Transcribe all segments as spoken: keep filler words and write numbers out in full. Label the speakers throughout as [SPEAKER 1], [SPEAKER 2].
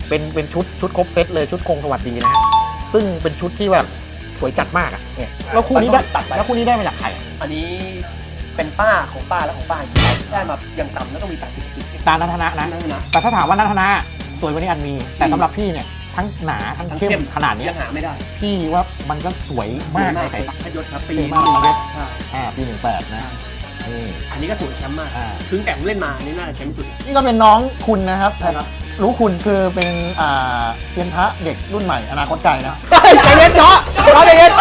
[SPEAKER 1] เป็นเป็นชุดชุดครบเซตเลยชุดคงสวัสดีนะฮะซึ่งเป็นชุดที่แบบสวยจัดมากอ่ะเนี่ยแล้วคู่นี้ได้ตัดแล้วคู่นี้ได้มาจากใคร
[SPEAKER 2] อันนี้เป็นป้าของป้าและของป้าได้มายังต่ำแล้วก็มีแปดสิบปี
[SPEAKER 1] ตานัทนะนะแต่ถ้าถามว่านัทนะสวยกว่านี้อันมีแต่สำหรับพี่เนี่ยทั้งหนาทั้งเข้มขนาดนี้
[SPEAKER 2] ยังหาไม่ได้
[SPEAKER 1] พี่ว่ามันก็สวยมากในสายตา
[SPEAKER 2] พยศครับปี
[SPEAKER 1] มากเลยอ่าปีหนึ่งแปดนะ
[SPEAKER 2] อันนี้ก็สวยแชมป์มากถึงแต่ผมเล่นมานี่น่าจะแชมป์สุด
[SPEAKER 1] นี่ก็เป็นน้องคุณนะครับรู้คุณคือเป็นอ่าเซียนพระเด็กรุ่นใหม่อนาคตไกลนะใจเย็นเจาะเจาะใจเย็น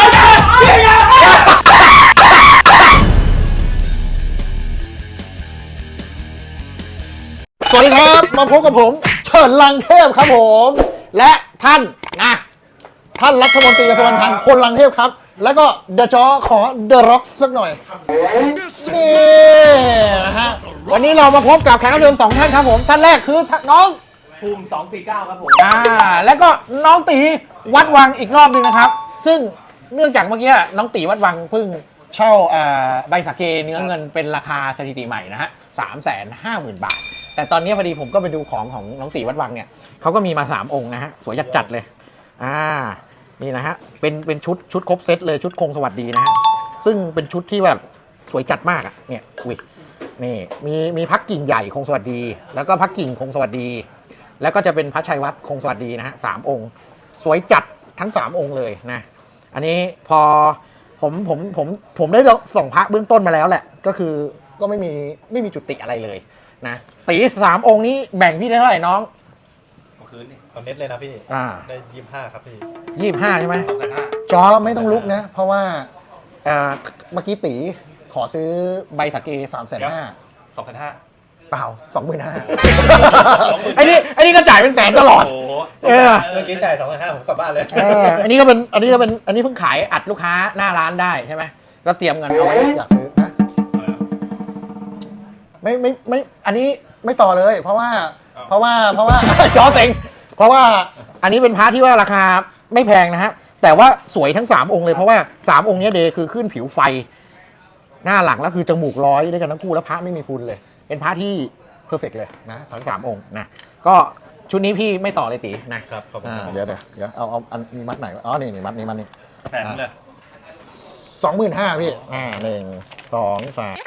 [SPEAKER 1] สวัสดีครับมาพบกับผมเฉินลังเทพครับผมและท่านนะท่านรัฐมนตรีกระทรวงการคลังคนลังเทพครับแล้วก็เดอะจอขอเดอะร็อกสักหน่อยนี่นะฮะวันนี้เรามาพบกับแขกรับเชิญสองท่านครับผมท่านแรกคือน้อง
[SPEAKER 2] ภูมิสองสี่เก้าครับผม
[SPEAKER 1] อ่าแล้วก็น้องตีวัดวังอีกรอบนึงนะครับซึ่งเนื่องจากเมื่อกี้น้องตีวัดวังเพิ่งเช่าใบสาเกเนื้อเงินเป็นราคาสถิติใหม่นะฮะสามแสนห้าหมื่นบาทแต่ตอนนี้พอดีผมก็ไปดูของของน้องตีวัดวังเนี่ยเขาก็มีมาสามองค์นะฮะสวยจัดๆเลยอ่านี่นะฮะเป็นเป็นชุดชุดครบเซตเลยชุดคงสวัสดีนะฮะซึ่งเป็นชุดที่แบบสวยจัดมากอ่ะเนี่ยอุ้ยนี่มีมีพักกิ่งใหญ่คงสวัสดีแล้วก็พักกิ่งคงสวัสดีแล้วก็จะเป็นพระชัยวัฒน์คงสวัสดีนะฮะสามองค์สวยจัดทั้งสามองค์เลยนะอันนี้พอผมผมผมผมได้ส่องพระเบื้องต้นมาแล้วแหละก็คือก็ไม่มีไม่มีจุดติอะไรเลยนะตีสามองค์นี้แบ่งพี่ได้เท่าไหร่น้อง
[SPEAKER 3] คืนนี่คอมเมนต์เลยนะพี่
[SPEAKER 1] อ่า
[SPEAKER 3] ได้ยี่สิบห้าครับพี่
[SPEAKER 1] ยี่สิบห้าใช่ไหม
[SPEAKER 3] สองแสนห้า
[SPEAKER 1] จอไม่ต้องลุกนะเพราะว่าเมื่อกี้ตีขอซื้อใบสาเกสามแสนห้า
[SPEAKER 3] สองแสนห้า
[SPEAKER 1] เปล่าสองหมื่นห้าไอ้นี่ไอ้นี่ก็จ่ายเป็นแสนตลอด
[SPEAKER 3] เออเมื่อกี้จ่ายสองแสนห้าผมกลับบ้านเลย
[SPEAKER 1] เอออันนี้ก็เป็นอันนี้ก็เป็นอันนี้เพิ่งขายอัดลูกค้าหน้าร้านได้ใช่ไหมก็เตรียมเงินเอาไว้อยากซื้อนะไม่ไม่ไม่อันนี้ไม่ต่อเลยเพราะว่าเพราะว่าเพราะว่าจอเซ็งเพราะว่าอันนี้เป็นพระที่ว่าราคาไม่แพงนะฮะแต่ว่าสวยทั้งสามองค์เลยเพราะว่าสามองค์นี้เดย์คือขึ้นผิวไฟหน้าหลังแล้วคือจมูกร้อยด้วยกันทั้งคู่แล้วพระไม่มีพุนเลยเป็นพระที่เพอร์เฟกต์เลยนะทั้งสามองค์นะก็ชุดนี้พี่ไม่ต่อเลยตี
[SPEAKER 3] นะครับขอบคุณ
[SPEAKER 1] เดี๋ยวเดี๋ยวเดี๋ยวเอาเอาอันมัดไหนอ๋อนี่นี่มัดนี้มัดนี้
[SPEAKER 3] แสนเลย
[SPEAKER 1] สองหมื่นห้าพี่อ่าหนึ่งสองสาม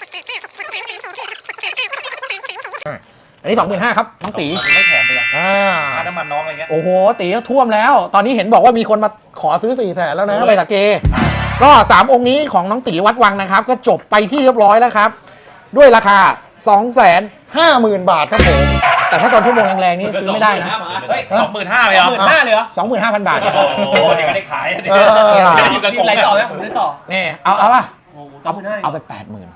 [SPEAKER 1] อันนี้สองหมื่นห้าครับน้องตี
[SPEAKER 3] ไม่แถมเลย
[SPEAKER 1] อ่า
[SPEAKER 3] ค่าน้ำมันน้องอะไรเงี้ย
[SPEAKER 1] โอ้โหตีก็ท่วมแล้วตอนนี้เห็นบอกว่ามีคนมาขอซื้อสี่แสนแล้วนะใบตะเกก็สามองค์นี้ของน้องตีวัดวังนะครับก็จบไปที่เรียบร้อยแล้วครับด้วยราคาสองแสนห้าหมื่นบาทครับผมแต่ถ้าตอนชั่วโมงแรงๆนี่ซื้อไม่ได้นะ
[SPEAKER 3] สองหมื่นห้าเลยเหรอ
[SPEAKER 2] สองหมื่นห้าเลยเหรอ
[SPEAKER 1] สองหมื่นห้าพันบาท
[SPEAKER 3] โอ้โหเดี๋ยวไม่ได้ขายเดี๋ยว
[SPEAKER 2] อยู่กับผมอะไรต่อไหมผมได้ต่อ
[SPEAKER 1] นี่เอาเอาป่ะ
[SPEAKER 2] เอา
[SPEAKER 1] เอาไปแปดหมื่น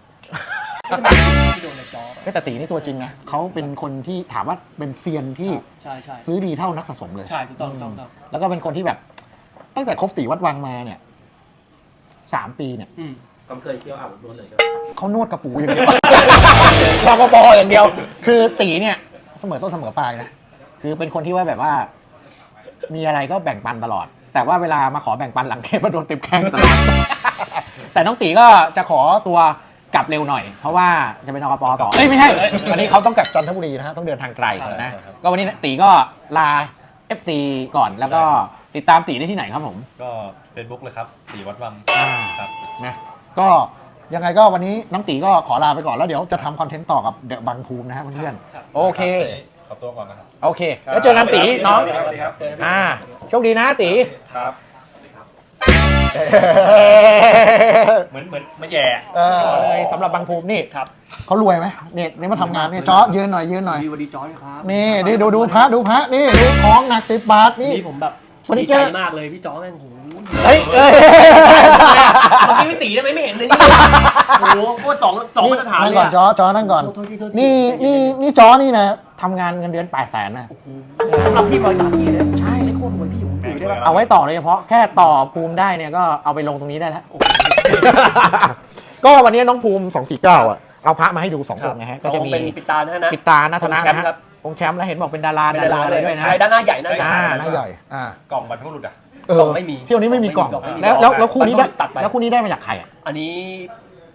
[SPEAKER 1] แต่ตีนี่ตัวจริงนะเขาเป็นคนที่ถามว่าเป็นเซียนที่ซื้อดีเท่านักสะสมเลย
[SPEAKER 2] ใช่ถูกต้อง
[SPEAKER 1] แล้วก็เป็นคนที่แบบตั้งแต่คบตีวัดวังมาเนี่ยสามปีเนี่ย
[SPEAKER 3] เขาเคยเที่ยวอาบนวดเลยใช่ไหม
[SPEAKER 1] เขานวดกระปูอย่างเดียวชอกปออย่างเดียวคือตีเนี่ยเสมอต้นเสมอปลายนะคือเป็นคนที่ว่าแบบว่ามีอะไรก็แบ่งปันตลอดแต่ว่าเวลามาขอแบ่งปันหลังเกมมาโดนเต็มแข้งตลอดแต่น้องตีก็จะขอตัวกลับเร็วหน่อยเพราะว่าจะเป็นอกปต่อเอ้ยไม่ใช่วันนี้เขาต้องกลับจันทบุรีนะฮะต้องเดินทางไกลนะก็วันนี้ตีก็ลา เอฟ ซี ก่อนแล้วก็ติดตามตีได้ที่ไหนครับผม
[SPEAKER 3] ก็ Facebook เลยครับตีวัดวังครับ
[SPEAKER 1] นะก็ยังไงก็วันนี้น้องตีก็ขอลาไปก่อนแล้วเดี๋ยวจะทำคอนเทนต์ต่อกับเดอะบังภูมินะฮะเพื่อนๆโอเค
[SPEAKER 3] ขอตัวก่อนนะครับ
[SPEAKER 1] โอเคแล้วเจอกันตีน้องอ่าโชคดีนะตี
[SPEAKER 3] ครับเหมือนเหมือนไม่แย่
[SPEAKER 1] เลยสำหรับบังภูมินี่
[SPEAKER 2] ครับ
[SPEAKER 1] เขารวยไหมเนี่ยนี่มาทำงานเนี่ยจ้อยืนหน่อยยืนหน่อย
[SPEAKER 2] วันดีจ้อครับ
[SPEAKER 1] นี่นี่ดูดูพระดูพระนี่ดูของหนักสิบบาทนี่
[SPEAKER 2] ผมแบบ
[SPEAKER 1] ดี
[SPEAKER 2] ใจมากเลยพี่จ้อแม่งโห
[SPEAKER 1] เฮ้ยเอ้ย
[SPEAKER 2] เมื่อกี้ไม่ตีได้ไหมไม่เห็นเลยนี่โอ้โหโคตรสองสองมาตรฐานเลย
[SPEAKER 1] นั่งก่อนจ้อจ้อนั่งก่อนนี่นี่นี่จ้อนี่นะทำงานเงินเดือนแปดแสนนะ
[SPEAKER 2] สำหรับพี่บอยสากีเลย
[SPEAKER 1] ใช่
[SPEAKER 2] ไม่โคตรรวยพี่ผมถือได้ป่ะ
[SPEAKER 1] เอาไว้ต่อเลยเฉพาะแค่ต่อภูมิได้เนี่ยก็เอาไปลงตรงนี้ได้แล้วก็วันนี้น้องภูมิสองสี่เก้าอ่ะเอาพระมาให้ดูสององค์นะฮะก็จะมี
[SPEAKER 2] ปิดตานะ
[SPEAKER 1] ปิดตาหน้าธนะนะฮะองค์แชมป์แล้วเห็นบอกเป็นดาราดาราเลยด้วยนะ
[SPEAKER 2] ด้านหน้าใหญ่หน้าใหญ่
[SPEAKER 1] หน้าใหญ่อ่
[SPEAKER 3] ากล่องบรรทุกหลุดอ่ะ
[SPEAKER 2] กล่องไม่มี
[SPEAKER 1] เที่ยวนี้ไม่มีกล่องแล้วแล้วคู่นี้ได้แล้วคู่นี้ได้มาจากใครอ่ะ
[SPEAKER 2] อันนี้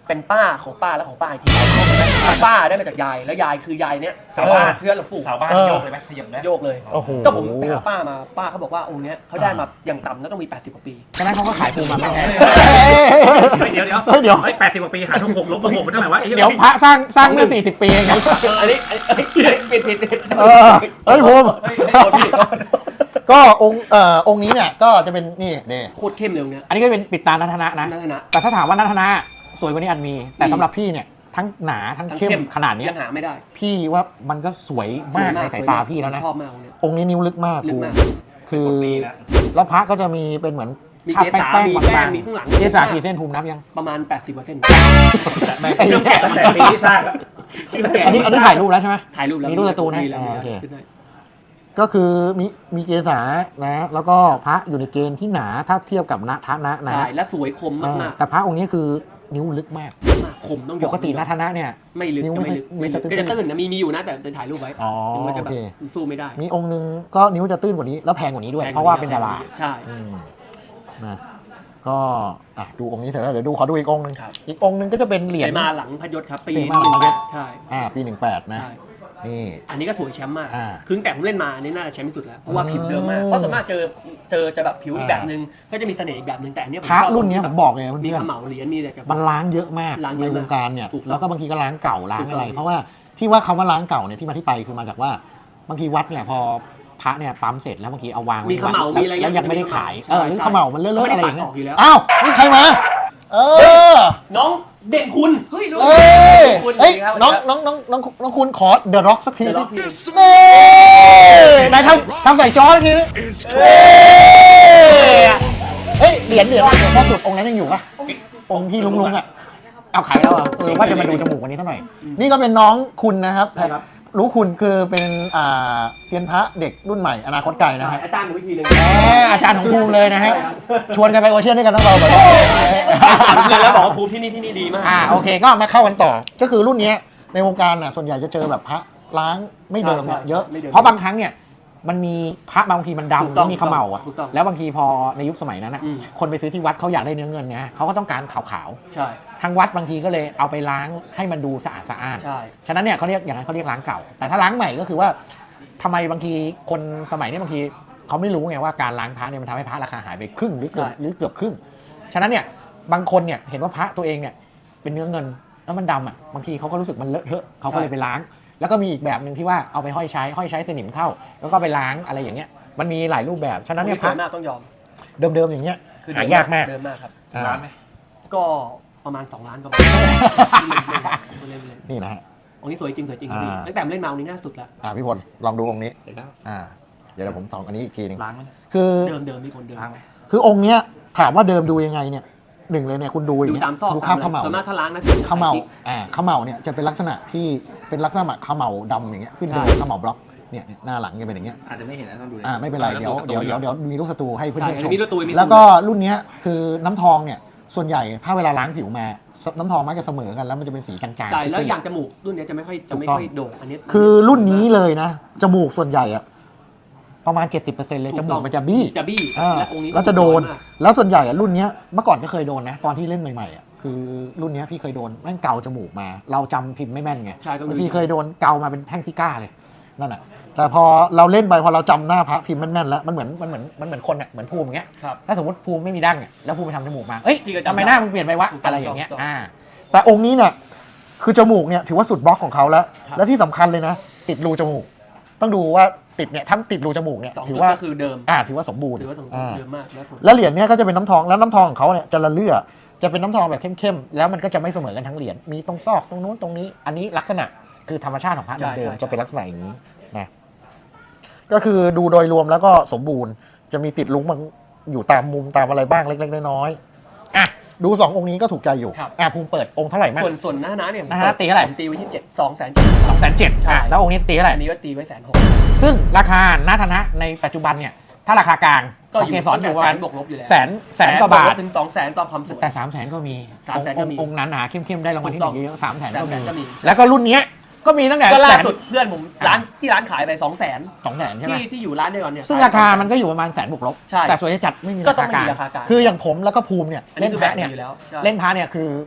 [SPEAKER 2] เป็นป้าของป้าและของป้าอีกทีป้าได้มาจากยายแล้วยายคือยายเนี้ย
[SPEAKER 3] สาวบ้าน
[SPEAKER 2] เพื่อนหลวงปู่
[SPEAKER 3] สาวบ้านโยกเลยไหมขยับนะ
[SPEAKER 2] โยกเลย
[SPEAKER 1] โอ้โห
[SPEAKER 2] ก็ผมไปหาป้ามาป้าเขาบอกว่าองค์เนี้ยเขาได้มาอย่างต่ำแล้วต้องมีแปดสิบกว่าปี
[SPEAKER 1] ฉะนั้นเขาก็ขายปูมาไม่แพง
[SPEAKER 3] เดี๋ยวเดี๋ยว
[SPEAKER 1] เฮ้ยเดี๋ยว
[SPEAKER 3] เฮ้ยแปดสิบกว่าปีหาทงหกลบหกมันเท่าไหร่วะไอ้หี้
[SPEAKER 1] เดี๋ยวพระสร้างสร้างเมื่อสี่สิบปีเองนะ
[SPEAKER 2] อันนี้อันนี้ผิดผิดผิด
[SPEAKER 1] เออเฮ้ยภูมิ
[SPEAKER 2] เฮ้ยโทษพี่
[SPEAKER 1] ก็องค์เอ่อองค์นี้เนี่ยก็จะเป็นนี่เด้
[SPEAKER 2] โคตรเข้มเลยองค์เนี้ย
[SPEAKER 1] อันนี้ก็เป็นปิดตานัทนะนะ
[SPEAKER 2] นั่นนะ
[SPEAKER 1] แต่ถ้าถามว่านัทนะสวยกว่านี้อันมี แต่
[SPEAKER 2] มี
[SPEAKER 1] สำหรับพี่เนี่ยทั้งหนาทั้งเข้มขนาดเนี้ย
[SPEAKER 2] ยังหาไม่ได้
[SPEAKER 1] พี่ว่ามันก็สวยมากในสายตาพี่แล้วนะ
[SPEAKER 2] ชอบมากองค์เนี้ย
[SPEAKER 1] องค์นี้นิ้วลึกมาก
[SPEAKER 2] ลึก
[SPEAKER 1] ภู
[SPEAKER 2] มาก
[SPEAKER 1] มิคือ
[SPEAKER 3] ดีนะ
[SPEAKER 1] แล้วพระก็จะมีเป็นเหมือน
[SPEAKER 2] มี
[SPEAKER 1] ทา
[SPEAKER 2] เกสา
[SPEAKER 1] แป้ง
[SPEAKER 2] มี
[SPEAKER 1] ๆ
[SPEAKER 2] แป้
[SPEAKER 1] บาง ง
[SPEAKER 2] มีข้างหลัง
[SPEAKER 1] ๆเกสากี่เส้นภูมินับยัง
[SPEAKER 2] ประมาณ แปดสิบกว่าเส้น
[SPEAKER 3] แม่งตั้งแต่ตั้งแต่ปีที่สร้างแล้ว
[SPEAKER 1] อันนี้อันนี้ถ่ายรูปแล้วใช่ไหม
[SPEAKER 2] ถ่ายรูปแล้ว
[SPEAKER 1] มีรูปการ์ตูนให้
[SPEAKER 2] แล้ว
[SPEAKER 1] อ่าโอเค
[SPEAKER 2] ขึ้นได้
[SPEAKER 1] ก็คือมีมีเกสานะแล้วก็พระอยู่ในเกณฑ์ที่หนาถ้าเทียบกับนะทะนะนะ
[SPEAKER 2] ใช่และสวยคม
[SPEAKER 1] เออ
[SPEAKER 2] มาก
[SPEAKER 1] แต่พระองค์นี้คือนิ้วลึกมาก
[SPEAKER 2] ๆมากคมต้องย
[SPEAKER 1] ป
[SPEAKER 2] อม
[SPEAKER 1] กตินะทะนะเนี่ย
[SPEAKER 2] ไม่ลึก
[SPEAKER 1] นิ้ว
[SPEAKER 2] จะไม่ลึก
[SPEAKER 1] ไม่
[SPEAKER 2] ไม่ลึก
[SPEAKER 1] ไม่จะตื้น
[SPEAKER 2] ก็จะตื้นนะมีมีอยู่นะแต่เป็นถ่ายรูปไว้
[SPEAKER 1] อ๋อ
[SPEAKER 2] มันจะ
[SPEAKER 1] โอ
[SPEAKER 2] แบบ
[SPEAKER 1] เค
[SPEAKER 2] สู้ไม่ได้
[SPEAKER 1] มีองค์หนึงก็นิ้วจะตื้นกว่านี้แล้วแพงกว่านี้ด้วย
[SPEAKER 2] แพง
[SPEAKER 1] เพราะว่าเป็นดารา
[SPEAKER 2] ใช่
[SPEAKER 1] อืมนะก็อ่ะดูองค์นี้เสร็จแล้วเดี๋ยวดูขอดูอีกองค์หนึง
[SPEAKER 2] ครับ
[SPEAKER 1] อีกองค์หนึงก็จะเป็นเหรียญ
[SPEAKER 2] เสมาหลังพยศครับปี
[SPEAKER 1] เสมาหลังพยศ
[SPEAKER 2] ใช่
[SPEAKER 1] อ่าปีหนึ่งแปดนะ
[SPEAKER 2] ใช่
[SPEAKER 1] นี่
[SPEAKER 2] อันนี้ก็สวยแชมป์มาก
[SPEAKER 1] อ่า
[SPEAKER 2] คือตั้งแต่ผมเล่นมาอันนี้น่าจะแชมป์ที่สุดแล้วเพราะว่า
[SPEAKER 1] อืม
[SPEAKER 2] ผิวเดิมมากเพราะส่วนมากเจอเจอจะแบบผิวอีก
[SPEAKER 1] อ่า
[SPEAKER 2] แบบนึงก็จะมีเสน่ห์อีกแบบนึงแต่อันเนี้ยผม
[SPEAKER 1] พระ
[SPEAKER 2] ชอบ
[SPEAKER 1] รุ่นเนี้ยผมบอกเลย
[SPEAKER 2] มี
[SPEAKER 1] เพื่อน
[SPEAKER 2] ขมเหลาเหรียญมีอะไรกับ
[SPEAKER 1] มันล้างเยอะมาก
[SPEAKER 2] ล้างเย
[SPEAKER 1] ใน
[SPEAKER 2] อะ
[SPEAKER 1] ว
[SPEAKER 2] มาก
[SPEAKER 1] งการเนี่ย
[SPEAKER 2] ถูกต้อง
[SPEAKER 1] แล้วก็บางทีก็ล้างเก่าล้างอะไร
[SPEAKER 2] ถูกต้อง
[SPEAKER 1] เพราะว่าที่ว่าคำว่าล้างเก่าเนี่ยที่มาที่ไปคือมาจากว่าบางทีวัดเนี่ยพอพระเนี่ยปั๊มเสร็จแล้วบางทีเอาวางไว้
[SPEAKER 2] มี
[SPEAKER 1] ใน
[SPEAKER 2] ข
[SPEAKER 1] วัด
[SPEAKER 2] เหลามีอะไร
[SPEAKER 1] แล้วยังไม่ได้ขาย
[SPEAKER 2] ใช่
[SPEAKER 1] เออหรือ
[SPEAKER 2] ใช่
[SPEAKER 1] เขม่ามันเลอะๆ
[SPEAKER 2] ไม่
[SPEAKER 1] อะไร
[SPEAKER 2] ได้
[SPEAKER 1] อย่างเงี้
[SPEAKER 2] ปัดออกอยู่แล้ว
[SPEAKER 1] อ้าวนี่ใครมาเออ
[SPEAKER 2] น้องเด่นคุณเฮ้ย
[SPEAKER 1] เอ้ย
[SPEAKER 2] คุณ
[SPEAKER 1] เอ้ย
[SPEAKER 2] ครับ
[SPEAKER 1] น้องน้องน้องน้องน้องคุณขอเดอะร็อกสักที
[SPEAKER 2] เดี๋ยว
[SPEAKER 1] สิ
[SPEAKER 2] รอบที่
[SPEAKER 1] เอ้ยไหนทำทำใส่จอทีเอ้ยเฮ้ยเหรียญเหรียญเหรียญพ่อสุดองค์นั้นยังอยู่ปะองค์ที่ลุงลุงๆอ่ะเอาขายแล้วอ่ะเออว่าจะมาดูจมูกวันนี้เท่าไหร่นี่ก็เป็นน้องคุณนะครับ
[SPEAKER 2] ใช่ครับ
[SPEAKER 1] รู้คุณคือเป็นอ่าเซียนพระเด็กรุ่นใหม่อนาคตไกลนะฮะ
[SPEAKER 2] อาจารย์หนูวิธีเลย
[SPEAKER 1] แหมอาจารย์ของภูมิเลยนะฮะชวนกันไปโอเชียนด้วยกันทั้งเราแบบ
[SPEAKER 2] แล้วบอกว่าภูมิที่นี่ที่นี่ดีมาก
[SPEAKER 1] อ่าโอเคก็มาเข้ากันต่อ ก็คือรุ่นเนี้ยในวงการน่ะส่วนใหญ่จะเจอแบบพระล้างไม่เดิมเนี่ย
[SPEAKER 2] ใช่
[SPEAKER 1] เยอะ
[SPEAKER 2] ไม่เดิม
[SPEAKER 1] เพราะบางครั้งเนี่ยมันมีพระบางทีมัน
[SPEAKER 2] ถูก
[SPEAKER 1] ดำ
[SPEAKER 2] ต้
[SPEAKER 1] แล้
[SPEAKER 2] อง
[SPEAKER 1] วมีเขม่าอ่ะ
[SPEAKER 2] ถูกต้อง
[SPEAKER 1] แล้วบางทีพอในยุคสมัยนั้นอ่ะ
[SPEAKER 2] อืม
[SPEAKER 1] คนไปซื้อที่วัดเขาอยากได้เนื้อเงินไงเขาก็ต้องการขาว
[SPEAKER 2] ใช่
[SPEAKER 1] ๆทางวัดบางทีก็เลยเอาไปล้างให้มันดูสะอาดสะอาด
[SPEAKER 2] ใช่
[SPEAKER 1] ฉะนั้นเนี่ยเขาเรียกอย่างนั้นเขาเรียกล้างเก่า แต่ถ้าล้างใหม่ก็คือว่าทำไมบางทีคนสมัยนี้บางทีเขาไม่รู้ไงว่าการล้างพระเนี่ยมันทำให้พระราคาหายไปครึ่งหรือเกือบ
[SPEAKER 2] ใช่
[SPEAKER 1] หรือเกือบครึ่ง ฉะนั้นเนี่ยบางคนเนี่ยเห็นว่าพระตัวเองเนี่ยเป็นเนื้อเงินแล้วมันดำอ่ะบางทีเขาก็รู้สึกมันเลอะเทอะเขาก็เลยไปล้าง แล้วก็มีอีกแบบหนึ่งที่ว่าเอาไปห้อยใช้ห้อยใช้สนิมเข้า แล้วก็ไปล้างอะไรอย่างเงี้ยมันมีหลายรูปแบบฉะนั้นเนี่ยพ
[SPEAKER 2] พ
[SPEAKER 1] ระ
[SPEAKER 2] ระหน้าต้องยอม
[SPEAKER 1] เดิมๆอย่างเงี้ย
[SPEAKER 2] คือ
[SPEAKER 1] หายากมาก
[SPEAKER 2] เดิมมากครับ
[SPEAKER 1] อ่า
[SPEAKER 3] ร้านไหม
[SPEAKER 2] ก็ประมาณสองล้านประมาณเล่นๆ
[SPEAKER 1] นี่นะฮะ
[SPEAKER 2] องค์นี้สวยจริงสวยจริง
[SPEAKER 1] อ่า
[SPEAKER 2] ตั้งแต่เล่นมาองค์นี้น่าสุดละ
[SPEAKER 1] อ่าพี่พลลองดูองค์นี้
[SPEAKER 3] เดี๋ยวนะ
[SPEAKER 1] อ่าเดี๋ยวผมส่องอันนี้อีกทีหนึง
[SPEAKER 3] ล้างไหม
[SPEAKER 1] คือ
[SPEAKER 2] เดิมเดิมมีผลเดิม
[SPEAKER 3] ล้างไหม
[SPEAKER 1] คือองค์เนี้ยถามว่าเดิมดูยังไงเนี่ยหนึ่งเลยเนี่ยคุณดูอย่า
[SPEAKER 2] ดู
[SPEAKER 1] งเงี้ย
[SPEAKER 2] ตามซอก
[SPEAKER 1] ดูคราบเขม่า
[SPEAKER 2] ส่วนมากถ้าล้างนะ
[SPEAKER 1] เขม่าอ่าเขม่าเนี่ยจะเป็นลักษณะที่เป็นลักษณะเขม่าดำอย่างเงี้ยขึ้นโดยเขม่าบล็อกเนี่ยเนี่ยหน้าหลังจะเป็นอย่างเงี้ย
[SPEAKER 3] อาจจะไม่เห็นนะต้องดู
[SPEAKER 1] อ่าไม่เป็นไรเดี๋ยวเดี๋ยวเดี๋ยวเดี๋ยวมีลูกศัตรูให้เพื่
[SPEAKER 2] ใช่
[SPEAKER 1] อนๆชม
[SPEAKER 2] มีตัวตุยมี
[SPEAKER 1] แล้วก็รุ่นเนี้ยคือน้ำทองเนี่ยส่วนใหญ่ถ้าเวลาล้างผิวมาน้ำทองมักจะเสมอกันแล้วมันจะเป็นสีจางๆ
[SPEAKER 2] ใช่แล้ว
[SPEAKER 1] ซีดๆ
[SPEAKER 2] อย่างจมูกรุ่นเนี้ยจะไม่ค่อยจะไม่
[SPEAKER 1] ถูกต้อง
[SPEAKER 2] ค่อยโด่งอันนี้
[SPEAKER 1] คือรุ่นนี้เลยนะจมูกส่วนใหญ่อะประมาณ เจ็ดสิบเปอร์เซ็นต์ เลย
[SPEAKER 2] ถู
[SPEAKER 1] จ
[SPEAKER 2] ก
[SPEAKER 1] มู
[SPEAKER 2] ต้
[SPEAKER 1] ก
[SPEAKER 2] อง
[SPEAKER 1] มันจะบี้
[SPEAKER 2] จะบี้
[SPEAKER 1] อ่า
[SPEAKER 2] และองค์นี้
[SPEAKER 1] แล้วจะโดน
[SPEAKER 2] สวยมาก
[SPEAKER 1] แล้วส่วนใหญ่อะรุ่นเนี้ยเมื่อก่อนก็เคยโดนนะตอนที่เล่นใหม่ๆอะคือรุ่นเนี้ยพี่เคยโดนแม่งเกาจมูกมา เราจำพิมพ์ไม่แม่นไง
[SPEAKER 2] ใช่ต้อง
[SPEAKER 1] บาง
[SPEAKER 2] ดู
[SPEAKER 1] ทีเคยโดนเกามาเป็นแท่งซิก้าเลยนั่นแหะแต่พอเราเล่นไปพอเราจำหน้าพระพิมพ์แม่นๆแล้วมันเหมือนมันเหมือนมันเหมือนคนอะเหมือนภูมิอย่างเงี้ย
[SPEAKER 2] ครับ
[SPEAKER 1] ถ้าสมมติภูมิไม่มีดั้งอะแล้วภูมิไปทำจมูกมาเอ้ย
[SPEAKER 2] พี่ก็จำ
[SPEAKER 1] ทำไมหน้ามึงเปลี่ยนไปวะ
[SPEAKER 2] ถูกต้อง
[SPEAKER 1] อะไรอย่างเงี้ย
[SPEAKER 2] ถูกต้อง
[SPEAKER 1] อ่าแต่องค์นี้เนี่ยคือจมูกเนี่ยถือว่าสุดบล็อกของเขาแล้ว
[SPEAKER 2] ครับ
[SPEAKER 1] และที่สำคัญเลยนะ ติดรูจมูก ต้องดูว่าติดเนี่ยถ้าติดรูจมูกเนี่ย
[SPEAKER 2] สอง
[SPEAKER 1] ถื
[SPEAKER 2] จุ
[SPEAKER 1] อ
[SPEAKER 2] ด
[SPEAKER 1] ว่า
[SPEAKER 2] ก็คือเดิม
[SPEAKER 1] อ่าถือว่าสมบูรณ์
[SPEAKER 2] ถือว่าสมบูร
[SPEAKER 1] อ่า
[SPEAKER 2] ณ์เดิมมากแล้วสวย
[SPEAKER 1] แล้วเหรียญเนี่ยก็จะเป็นน้ำทองแล้วน้ำทองของเขาเนี่ยจะละเลื่อจะเป็นน้ำทองแบบเข้มๆแล้วมันก็จะไม่เสมอกันทั้งเหรียญมีตรงซอกตรงนู้นตรงนี้ อันนี้ลักษณะคือธรรมชาติของพระเดิมๆจะเป็นลักษณะอย่างนี้นะก็คือดูโดยรวมแล้วก็สมบูรณ์จะมีติดลุ้งบางอยู่ตามมุมตามอะไรบ้างเล็กๆน้อยๆอ่ะดูสององค์นี้ก็ถูกใจอยู่
[SPEAKER 2] ครับ
[SPEAKER 1] อ่ะภูมิเปิดองค์เท่าไหร่มั้ง
[SPEAKER 2] ส่วนส่วนหน้าน้าเนี่ยผม
[SPEAKER 1] หน้าน้าตีเท่าไหร่
[SPEAKER 2] ผมตีไว้ที่เจ็ดสองแสน
[SPEAKER 1] สองแสนเจ็ด
[SPEAKER 2] ใช่
[SPEAKER 1] อ่ะแล้วองค์นี้ตีเท่าไหร่
[SPEAKER 2] อันนี้ว่าตีไว้แสนหก
[SPEAKER 1] ซึ่งราคานาธนะในปัจจุบันเนี่ยถ้าราคากลาง
[SPEAKER 2] ก็
[SPEAKER 1] ของ
[SPEAKER 2] อยู่
[SPEAKER 1] เกสรอยู่ประ
[SPEAKER 2] แส
[SPEAKER 1] มาณ
[SPEAKER 2] นบวกลบอยู่แล้ว
[SPEAKER 1] แสนแสนกว่าบาท
[SPEAKER 2] ถึงสองแสนตามความสวย
[SPEAKER 1] แต่สามแสนก็มี
[SPEAKER 2] สามแสนก็มี
[SPEAKER 1] องค์หนาๆเข้มๆได้รางวัลที่หนึ่งเยอะๆสามแสนก็
[SPEAKER 2] สามแสนก็มี
[SPEAKER 1] มีแล้วก็รุ่นเนี้ยก็มีตั้งแต่
[SPEAKER 2] ก็
[SPEAKER 1] แส
[SPEAKER 2] ล่าน สุดเพื่อนผมร้านที่ร้านขายไปสองแสน
[SPEAKER 1] สองแสนใช่ไหม
[SPEAKER 2] ที่ที่อยู่ร้านเดียวกันเนี่ย
[SPEAKER 1] ซึ่งราคามันก็อยู่ประมาณแสนบวกลบ
[SPEAKER 2] ใช่
[SPEAKER 1] แต่ส่วนใหญ่จัดไม่มี
[SPEAKER 2] ก็
[SPEAKER 1] รา
[SPEAKER 2] ต้อ
[SPEAKER 1] คาง กลาง
[SPEAKER 2] ไม่มีราคากลาง
[SPEAKER 1] คืออย่างผมแล้วก็ภูมิเนี่ย
[SPEAKER 2] อันนี้
[SPEAKER 1] เล่น
[SPEAKER 2] คือ
[SPEAKER 1] พ
[SPEAKER 2] แบ
[SPEAKER 1] ระ
[SPEAKER 2] บ
[SPEAKER 1] เนี่ย
[SPEAKER 2] อยู่แล้วใช่
[SPEAKER 1] เล่นพระเนี่ยคือ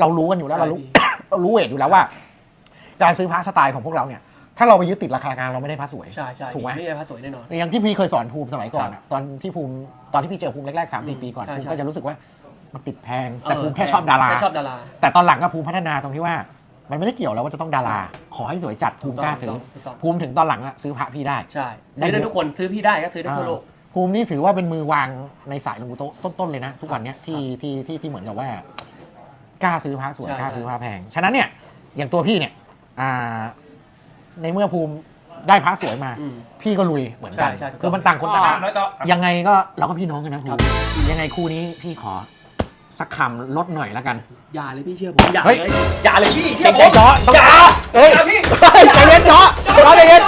[SPEAKER 1] เรารู้กันอยู่แล้วเรารู้ เรารู้เวทอยู่แล้วว่า การซื้อพระสไตล์ของพวกเราเนี่ยถ้าเราไปยึดติดราคากลางเราไม่ได้พระสวย
[SPEAKER 2] ใช่ใช่
[SPEAKER 1] ถูกไหม
[SPEAKER 2] ไม่ได้พระสวยแน่นอน
[SPEAKER 1] อย่างที่พี่เคยสอนภูมิสมัยก่อนอะตอนที่ภูมิตอนที่พี่เจอภูมิแรกๆสามสี่ปีก่อน
[SPEAKER 2] ใช่
[SPEAKER 1] ภูมิ
[SPEAKER 2] ใช่
[SPEAKER 1] ก็จะรู้สึกว่ามันติดแพงแต่
[SPEAKER 2] เออ
[SPEAKER 1] ภูมิแค่ชอบดารา
[SPEAKER 2] แค่ชอบดารา
[SPEAKER 1] แต่ตอนหลังก็ภูมิพัฒนาตรงที่ว่า มันไม่ได้เกี่ยวแล้วว่าจะต้องดารา ขอให้สวยจัดภูมิกล้าซื้อ
[SPEAKER 2] ถูกต้อง
[SPEAKER 1] ภูมิถึงตอนหลังอะซื้อพระพี่ได้
[SPEAKER 2] ใช่
[SPEAKER 1] ได้
[SPEAKER 2] ซื้อได้
[SPEAKER 1] เยอะ
[SPEAKER 2] ทุกคนซื้อพี่ได้ก็ซื้อได้ทั่วโลก
[SPEAKER 1] ภูมินี่ถือว่าเป็นมือวางในสายหลวงปู่โตะต้นๆเลยนะ ทุกวันเนี้ยที่ที่ที่ที่เหมือนกับว่ากล้าซื้อพระสวย
[SPEAKER 2] ใช่
[SPEAKER 1] กล้าซื้อพระแพงฉะนั้นเนี่ยอย่างตัวพี่เนี่ยอ่าในเมื่อภูมิได้พระสวยมา
[SPEAKER 2] อืม
[SPEAKER 1] พี่ก็ลุยเหมือนกัน
[SPEAKER 2] ใช่ใช่ถูกต้อง
[SPEAKER 1] คือมันต่างคนต่าง
[SPEAKER 3] ตามแล้วต่อ
[SPEAKER 1] ยังไงก็เราก็พี่น้องกันนะภู
[SPEAKER 2] ครับ
[SPEAKER 1] มิยังไงคู่นี้พี่ขอสักคำลดหน่อยแล้วกัน
[SPEAKER 2] อย่าเลยพี่เชื่อผมอย่า
[SPEAKER 1] เฮ้ย
[SPEAKER 2] เลยอย่าเลยพี่
[SPEAKER 1] ใจ
[SPEAKER 2] เชื่อผ
[SPEAKER 1] ใจ
[SPEAKER 2] ม
[SPEAKER 1] จ้อต้อง
[SPEAKER 2] อย่า
[SPEAKER 1] เฮ้ย
[SPEAKER 2] อย่าพี่
[SPEAKER 1] เฮ้ยใจเย็นจ้อจ้อใจเย็น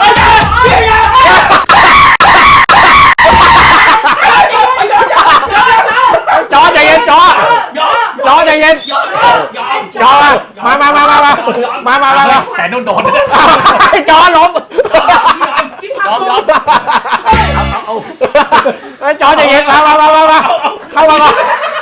[SPEAKER 1] จ้อใจเย็นจ้อ
[SPEAKER 2] ยอม
[SPEAKER 1] จ้อใจเย็น
[SPEAKER 2] ยอมยอม
[SPEAKER 1] จ้อมามามามามามามามามา
[SPEAKER 3] แต่นุ่นโดน
[SPEAKER 1] จ้อล้ม
[SPEAKER 2] ยอมยอม
[SPEAKER 1] เอ้ยจ้อใจเย็นมามามามามาเข้ามาก่อน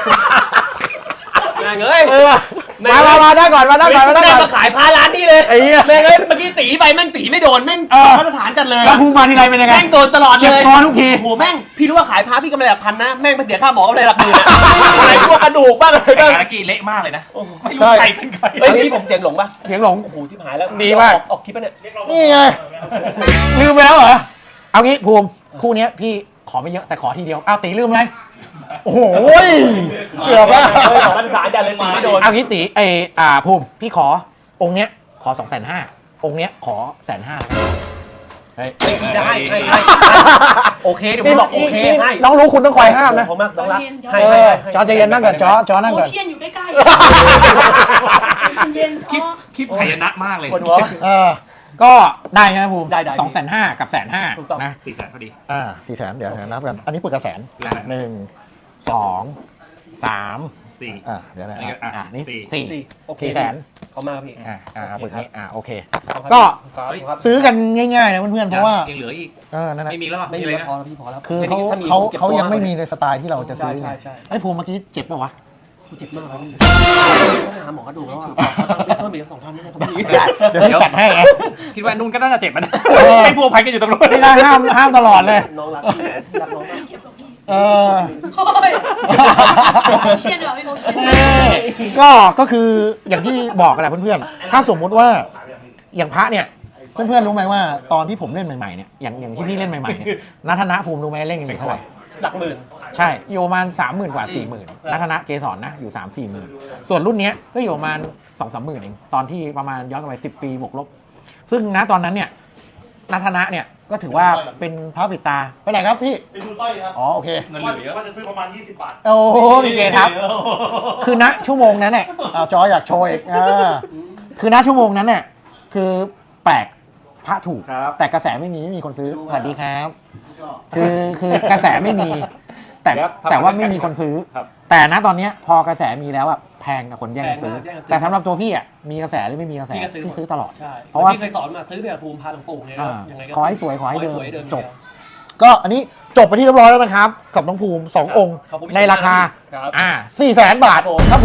[SPEAKER 2] แม่งเอ้ย
[SPEAKER 1] เออมามามาได้ก่อนมาได้ก่อนมาได้
[SPEAKER 2] แม่ง
[SPEAKER 1] ก่อน
[SPEAKER 2] มาขายพาร้านนี่เลย
[SPEAKER 1] ไอ้เหี้ย
[SPEAKER 2] แม่งเอ้ยเมื่อกี้ตีไปแม่งตีไม่โดนแม่ง
[SPEAKER 1] เออ
[SPEAKER 2] มาตรฐานจัดเลย
[SPEAKER 1] แล้วภูมิมาทีไรเป็นยังไง
[SPEAKER 2] แม่งโดนตลอดเล
[SPEAKER 1] เจ็บ
[SPEAKER 2] ย
[SPEAKER 1] คอทุกที
[SPEAKER 2] โอ้โหแม่งพี่รู้ว่าขายพาพี่กำไรหลักพันนะแม่งไปเสียค่าหมอกำไรหลักหมื่นอะอะไรพวกกระดูกบ้างอะไร
[SPEAKER 3] ไอ้
[SPEAKER 2] บ้าง
[SPEAKER 3] กากี้เละมากเลยนะ
[SPEAKER 2] โอ้โห
[SPEAKER 3] ไม่รู้ใครเป็นใคร
[SPEAKER 2] เฮ้ยพี่ผมเสียงหลงปะ
[SPEAKER 1] เสียงหลง
[SPEAKER 2] โอ้โหชิบหายแล้ว
[SPEAKER 1] ดีมาก
[SPEAKER 2] ออออกคลิปปะเนี่ย
[SPEAKER 1] นี่ไงลืมไปแล้วเหรอเอางี้ภูมิคู่เนี้ยพี่ขอไม่เยอะแต่ขอทีเดียวอ้าวตีลืมไหมโอ้โหเกือบแล้ว
[SPEAKER 2] เฮ้ยของมาตรฐานจัดเลยตีไม่โดน
[SPEAKER 1] เอางี้ตีเอออ่าภูมิพี่ขอองค์เนี้ยขอสองแสนห้าองค์เนี้ยขอแสนห้าเฮ้ย
[SPEAKER 2] ได้ให้ให้โอเคเดี๋ยวผมบอกโอเค
[SPEAKER 1] นี่
[SPEAKER 2] ให้
[SPEAKER 1] น้องรู้คุณต้องคอยห้ามนะ
[SPEAKER 2] ผมมากน้องรัก
[SPEAKER 1] เอ
[SPEAKER 2] ให้ให้
[SPEAKER 1] อ
[SPEAKER 2] ให้
[SPEAKER 1] จอใจเย็นนั่งก่อนจอจอนั่ง
[SPEAKER 4] โอ
[SPEAKER 1] ก่อน
[SPEAKER 4] เชียนอยู่ใกล้ๆเย็น
[SPEAKER 3] คลิป
[SPEAKER 4] อ๋อ
[SPEAKER 3] คลิปหายนะมากเลย
[SPEAKER 2] ปวดหัว
[SPEAKER 1] เออก็ได้ใช่ไหมภูมิ
[SPEAKER 2] ได้ได้
[SPEAKER 1] สองแสนห้ากับแสนห้า
[SPEAKER 2] ถูกต้อง
[SPEAKER 1] นะ
[SPEAKER 3] สี่แสนพอดี
[SPEAKER 1] อ่าสี่แสนเดี๋ยวนับกันอันนี้ปึกกระแสน
[SPEAKER 3] ได้
[SPEAKER 1] หนึ่งสองสาม
[SPEAKER 3] สี่
[SPEAKER 1] อ่าเดี๋ยวนะ
[SPEAKER 3] อันนี้ก็อ่ะ
[SPEAKER 1] อ่านี่
[SPEAKER 3] สี่
[SPEAKER 1] สี่
[SPEAKER 2] สี่โอเค
[SPEAKER 1] สี่แสน
[SPEAKER 2] เขามาพี่
[SPEAKER 1] อ่าอ่าปึกนี้อ่าโอเค
[SPEAKER 2] ครับ
[SPEAKER 1] ก็
[SPEAKER 2] ครับครับ
[SPEAKER 1] ซื้อกันง่ายๆนะเพื่อนๆเพราะว่า
[SPEAKER 3] ยังเหลืออีก
[SPEAKER 1] เออนั่นแหละ
[SPEAKER 3] ไม่มีแล้วอ่ะ
[SPEAKER 2] ไม่มี
[SPEAKER 3] เลย
[SPEAKER 2] แล้ว
[SPEAKER 3] นะ
[SPEAKER 2] พอแล้วพี่พอแล้ว
[SPEAKER 1] คือเขา
[SPEAKER 2] ถ้มี
[SPEAKER 1] เขา
[SPEAKER 2] ก็บ
[SPEAKER 1] เขา
[SPEAKER 2] ตัว
[SPEAKER 1] ยังไม่
[SPEAKER 2] ก
[SPEAKER 1] มีในสไตล์ที่เราจะซื้อ
[SPEAKER 2] ใช่ใช่
[SPEAKER 1] ไอ้ภูมิเมื่อกี้เจ็บป่าวะ
[SPEAKER 2] กูเจ็บมากเลยพี่ต้องไปหาหมอกระดูกแล้วอ่ะเพิ่มอีกสองพันนี่นะผมมี
[SPEAKER 1] เดี๋ยวพี่จัดให้ไง
[SPEAKER 3] คิดว่านุ่นก็น่าจะเจ็บมัน
[SPEAKER 1] เออ
[SPEAKER 3] ไอ้พวกพันกันอยู่ตรงนู้น
[SPEAKER 1] นี่นะห้ามห้ามตลอดเลย
[SPEAKER 2] น้องรักพี่รักน้องมาก
[SPEAKER 4] เจ็บกว่าพี่
[SPEAKER 1] เออ
[SPEAKER 4] โอ้ยโอเชียนเหรอพี่โอเชียน
[SPEAKER 1] เออก็ก็คืออย่างที่บอกกันแหละเพื่อนๆถ้าสมมุติว่าอย่างพระเนี่ยเพื่อนๆรู้ไหมว่าตอนที่ผมเล่นใหม่ๆเนี่ยอย่างอย่างที่พี่เล่นใหม่ๆเนี่ยนัทนะภูมิรู้ไหมเล่นกันอยู่เท่าไหร่
[SPEAKER 2] หลักหมื่น
[SPEAKER 1] ใช่อยู่ประมาณสามหมื่นกว่าสี่หมื่นนัทนะเกสรนะอยู่สามสี่หมื่นส่วนรุ่นเนี้ยก็อยู่ประมาณสองสามหมื่นเองตอนที่ประมาณย้อนกลับไปสิบปีบวกลบ ซึ่งณตอนนั้นเนี่ยนัทนะเนี่ยก็ถือว่าเป็นพระปิดตาไปไหนครับพี่
[SPEAKER 5] ไปดูสร้อยครับ
[SPEAKER 1] อ๋อโอเค
[SPEAKER 3] เงินเหลือเยอะ
[SPEAKER 5] ว่าจะซื้อประมาณ ยี่สิบบาท
[SPEAKER 1] โอ้โหมีเกทับ คือณชั่วโมงนั้นเนี่ยเอาจออยากโชว์อีกอ่าคือณชั่วโมงนั้นเนี่ยคือแปลกพระถูก
[SPEAKER 3] ครับ
[SPEAKER 1] แต่กระแสไม่มีไม่มีคนซื้อสวัสดีครับ คือคือกระแสไม่มี แต่แต่ว่าไม่มีคนซื้อ
[SPEAKER 3] ครับ
[SPEAKER 1] แต่ณตอนเนี้ยพอกระแสมีแล้วอะแพงกับคนแย่งกันซื้อ แต่สำหรับตัวพี่อะมีกระแสหรือไม่มีกระแส
[SPEAKER 2] พี่ก็ซื้อ
[SPEAKER 1] พี่ซื้อตลอด
[SPEAKER 2] ใช่
[SPEAKER 1] เพราะว่า
[SPEAKER 2] พี่เคยสอนมาซื้อแบบภูมิพาหลวงปู่ไง
[SPEAKER 1] อ่า
[SPEAKER 2] ยังไงก็
[SPEAKER 1] ขอให้สวยขอให้เดิม
[SPEAKER 2] สวยเดิม
[SPEAKER 1] จบ ก็อันนี้จบไปที่เรียบร้อยแล้วนะครับ กับน้องภูมิสององค์
[SPEAKER 2] ขอบคุณพี่
[SPEAKER 1] ในราคา
[SPEAKER 2] ครับ
[SPEAKER 1] อ่าสี่แสนบาท
[SPEAKER 2] ครับผม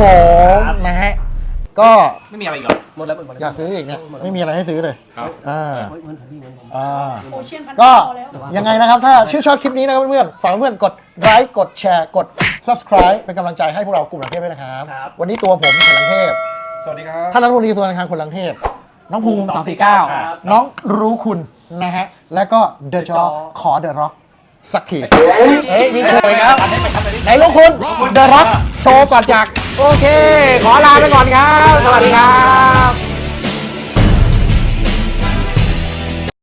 [SPEAKER 1] ครับผมนะฮะก็
[SPEAKER 3] ไม่มีอะไรอีกเหรอ
[SPEAKER 2] หมดแล้วหมดแล้ว
[SPEAKER 1] อยากซื้ออีกเนี่ยไม่มีอะไรให้ซื้อเลย
[SPEAKER 3] ครับ
[SPEAKER 1] อ่า
[SPEAKER 2] เฮ้ยเงินผมพี่เงินผม
[SPEAKER 1] อ่า
[SPEAKER 4] โอเชียนพัน
[SPEAKER 1] ก็
[SPEAKER 4] พอแล้ว
[SPEAKER 1] ยังไงนะครับ ถ้าชื่นชอบคลิปนี้นะครับเพื่อนๆฝากเพื่อนๆกดไลค์กดแชร์กด subscribe เป็นกำลังใจให้พวกเรากลุ่มหลังเทพด้วยนะครับ
[SPEAKER 2] ครับ
[SPEAKER 1] วันนี้ตัวผมขลังเทพ
[SPEAKER 3] สวัสดีครับ
[SPEAKER 1] ท่านรัฐมนตรีส่วนการคลังคนหลังเทพ น้องภูมิสองสี่เก้า
[SPEAKER 2] ครับ
[SPEAKER 1] น้องรู้คุณนะฮะ แล้วก็เดอะจอขอเดอะร็อกสักทีเฮ้ยมีโชว์อีกแล้วไหนลูกคุณเดอะร็อกโชว์ก่อนจาก โอเค ขอลาไปก่อนครับ สวัสดีครับ